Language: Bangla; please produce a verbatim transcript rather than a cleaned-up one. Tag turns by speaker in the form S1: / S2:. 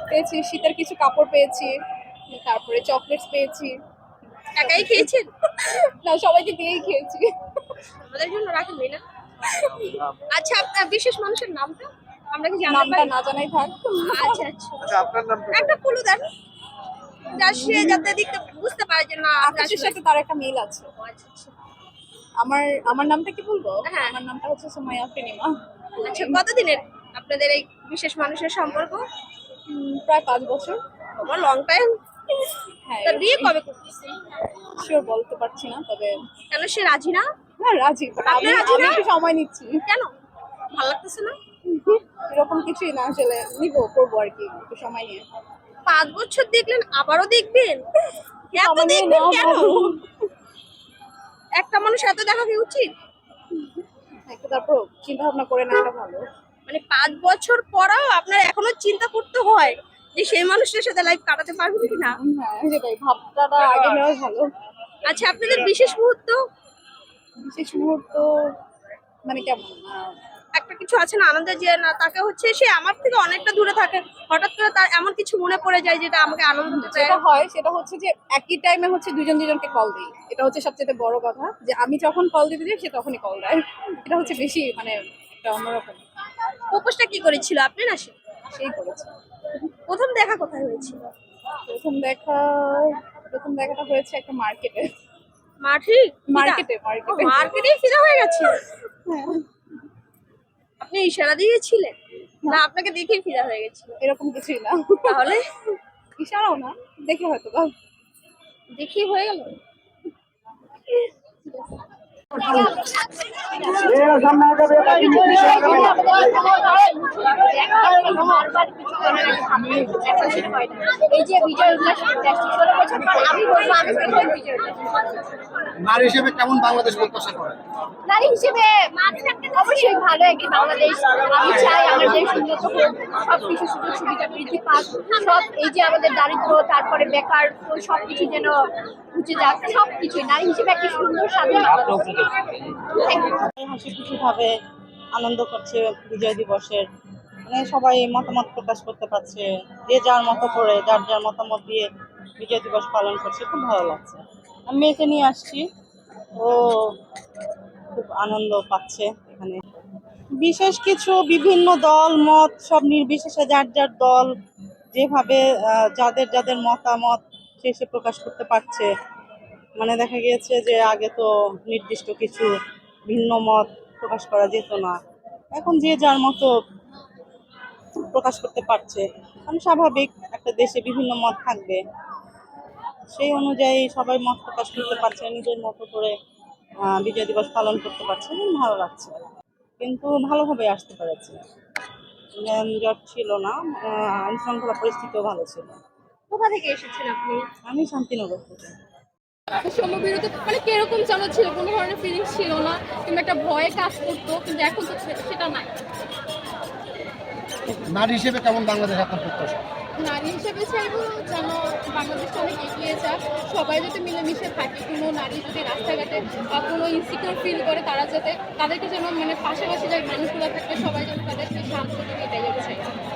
S1: পেয়েছি, শীতের কিছু কাপড় পেয়েছি, তারপরে চকলেটস পেয়েছি।
S2: একাই খেয়েছেন?
S1: না, সবাইকে দিয়েই খেয়েছি।
S2: আমাদের জন্য রাখেনই না। আচ্ছা, আপনার বিশেষ মানুষের নামটা আমরা কি জানতে
S1: নামটা
S2: পারি?
S1: না জানাই থাক।
S2: আচ্ছা আচ্ছা,
S3: আচ্ছা আপনার নামটা
S2: একটা ক্লু দেন যা সে যাতে দেখতে বুঝতে পারে যে না আমরা
S1: আকাশের
S2: আসলে-
S1: সাথে তার একটা মিল আছে।
S2: আচ্ছা আচ্ছা।
S1: আমার আমার নামটা কি বলবো?
S2: হ্যাঁ।
S1: আমার নামটা হচ্ছে সুমাইয়া ফেনিমা।
S2: আচ্ছা, কতদিনের আপনাদের এই বিশেষ মানুষের সম্পর্ক?
S1: উম, প্রায় পাঁচ বছর।
S2: আমার লং টাইম।
S1: হ্যাঁ,
S2: তা বিয়ে কবে করতেছেন?
S1: শিওর বলতে পারছি না, তবে
S2: কেন সে রাজি না?
S1: হ্যাঁ রাজি, but
S2: আপনি
S1: আমি
S2: রাজি
S1: আমি
S2: না?
S1: একটু সময় নিচ্ছি।
S2: কেন ভালো লাগতেছে না?
S1: এরকম কিছুই না, আসলে নিবো, করবো আর কি, একটু সময় নিয়ে।
S2: পাঁচ বছর দেখলেন আবারও দেখবেন? এত
S1: সময় নিয়ে
S2: দেখবেন
S1: নেওয়া
S2: কেন?
S1: ভালো।
S2: একটা মানুষ এত দেখা কি উচিত?
S1: একটু তারপর চিন্তা ভাবনা করে নেওয়াটা ভালো।
S2: মানে পাঁচ বছর পরেও আপনার এখনো চিন্তা করতে হয় যে সেই মানুষটার সাথে লাইফ কাটাতে পারবেন কিনা।
S1: হ্যাঁ সেটাই, ভাবনাটা আগে নেওয়াই ভালো।
S2: আচ্ছা, আপনাদের বিশেষ মুহূর্ত
S1: বিশেষ মুহূর্ত মানে কেমন? আহ,
S2: একটা কিছু আছে না আনন্দের, যে না তাকে হচ্ছে সে আমার থেকে অনেকটা দূরে থাকে, হঠাৎ করে তার এমন কিছু মনে পড়ে যায় যেটা আমাকে আনন্দ দেয়।
S1: যেটা হয় সেটা হচ্ছে যে একই টাইমে হচ্ছে দুজন দুজনকে কল দিই, এটা হচ্ছে সবচেয়ে বড় কথা, যে আমি যখন কল দিতে যাই সে তখনই কল দেয়। এটা হচ্ছে বেশি মানে একটা অন্যরকম।
S2: প্রপোজটা কি করেছিল আপনি না সে?
S1: সেই করেছে।
S2: প্রথম দেখা কোথায় হয়েছিল?
S1: প্রথম দেখা প্রথম দেখাটা হয়েছে একটা মার্কেটে।
S2: মাঠে?
S1: মার্কেটে মার্কেটে
S2: মার্কেটেই ফিদা হয়ে গেছে?
S1: হ্যাঁ,
S2: আপনি ইশারা দিয়েছিলেন না আপনাকে দেখেই ফিদা হয়ে গেছিল?
S1: এরকম কিছুই না।
S2: তাহলে
S1: ইশারাও না, দেখে হয়তো বা।
S2: দেখেই হয়ে গেল।
S4: এই যে বিজয় উল্লাস ষোলো বছর পর আমি বলবো আমি প্রথম বিজয় উল্লাস।
S3: নারী হিসেবে কেমন বাংলাদেশ প্রত্যাশা করেন?
S4: নারী হিসেবে অবশ্যই ভালো একটি বাংলাদেশ আমি চাই। আমার দেশ উন্নত হোক, সব কিছু সুযোগ সুবিধা বৃদ্ধি পাক, সব এই যে আমাদের দারিদ্র, তারপরে বেকার, তো সব কিছু যেন ঘুচে যাক, সব কিছুই নারী হিসেবে একটি সুন্দর স্বাধীন বাংলাদেশ। Thank you.
S5: হাসি খুশি ভাবে আনন্দ করছে বিজয় দিবসের, মানে সবাই মতামত প্রকাশ করতে পারছে, যে যার মতো করে যার যার মতামত দিয়ে বিজয় দিবস পালন করছে, খুব ভালো লাগছে। আমি মেয়েকে নিয়ে আসছি, ও খুব আনন্দ পাচ্ছে এখানে। বিশেষ কিছু বিভিন্ন দল মত সব নির্বিশেষে যার যার দল যেভাবে আহ, যাদের যাদের মতামত সে সে প্রকাশ করতে পারছে। মানে দেখা গিয়েছে যে আগে তো নির্দিষ্ট কিছু ভিন্ন মত প্রকাশ করা যেত না, এখন যে যার মতো প্রকাশ করতে পারছে। কারণ স্বাভাবিক, একটা দেশে বিভিন্ন মত থাকবে, সেই অনুযায়ী সবাই মত প্রকাশ করতে পারছে, নিজের মতো করে আহ, বিজয় দিবস পালন করতে পারছে, এবং ভালো লাগছে। কিন্তু ভালোভাবে আসতে পেরেছে, যানজট ছিল না, আইন শৃঙ্খলা পরিস্থিতিও ভালো ছিল।
S2: কোথা থেকে এসেছেন আপনি?
S5: আমি শান্তিনগর থেকে।
S6: সমবিরত মানে কিরকম যেন ছিল, কোনো ধরনের ফিলিংস ছিল না, কিংবা একটা ভয়ে কাজ করতো, কিন্তু এখন তো সে- সেটা নাই।
S3: নারী হিসেবে কেমন বাংলাদেশ আপনার প্রত্যাশা?
S6: নারী হিসেবে চাইবো যেন বাংলাদেশটা অনেক এগিয়ে যাক, সবাই যাতে মিলেমিশে থাকে, কোনো নারী যদি রাস্তাঘাটে বা কোনো ইনসিকিউর ফিল করে তারা যাতে তাদেরকে যেন মানে পাশাপাশি যে মানুষগুলো থাকবে সবাই যেন তাদেরকে সাহায্য করে, এটাই আমি চাই।